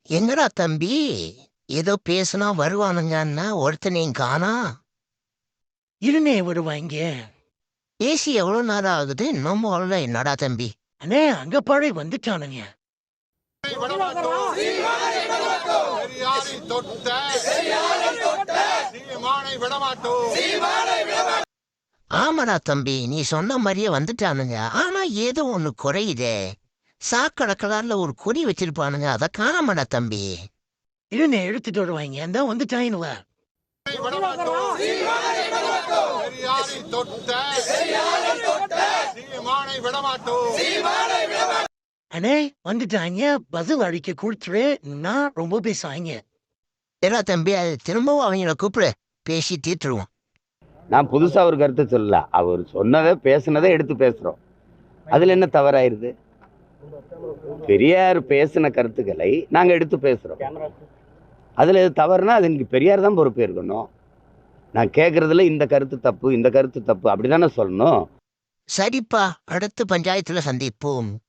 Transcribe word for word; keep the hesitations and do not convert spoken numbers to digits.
என்னடா தம்பி, ஏதோ பேசுனா வருவானுங்கன்னா ஒருத்தனையும் காணா. இருனே வருவாங்க. பேசி எவ்வளோ நேரம் ஆகுது, இன்னமும் வரல. என்னடா தம்பி? அண்ணே அங்க பாழை வந்துட்டானுங்க. ஆமாடா தம்பி, நீ சொன்ன மாதிரியே வந்துட்டானுங்க. ஆனா ஏதோ ஒண்ணு குறையுதே. சாக்கடை கலர்ல ஒரு கொடி வச்சிருப்பானுங்க, அதை காணாமடா தம்பி. இருனே எடுத்துட்டு வருவாங்க. அந்த வந்துட்டாயினுவ. அண்ணே வந்துட்டாங்க. பதில் அடிக்க கொடுத்துரு. நான் ரொம்ப பேசுவாங்க. ஏடா தம்பி, அது திரும்பவும் அவங்கள கூப்பிடு, பேசி தீர்த்துருவோம். நான் புதுசா ஒரு கருத்தை சொல்லல. அவர் சொன்னதை பேசுனதை எடுத்து பேசுறோம். அதுல என்ன தவறாயிருது? பெரியார் பேசின கருத்துக்களை நாங்க எடுத்து பேசுறோம். அதுல எது தவறுனா அது இன்னைக்கு பெரியார் தான் பொறுப்பு இருக்கணும். நான் கேட்கறதுல இந்த கருத்து தப்பு, இந்த கருத்து தப்பு அப்படிதானே சொல்லணும். சரிப்பா, அடுத்த பஞ்சாயத்துல சந்திப்போம்.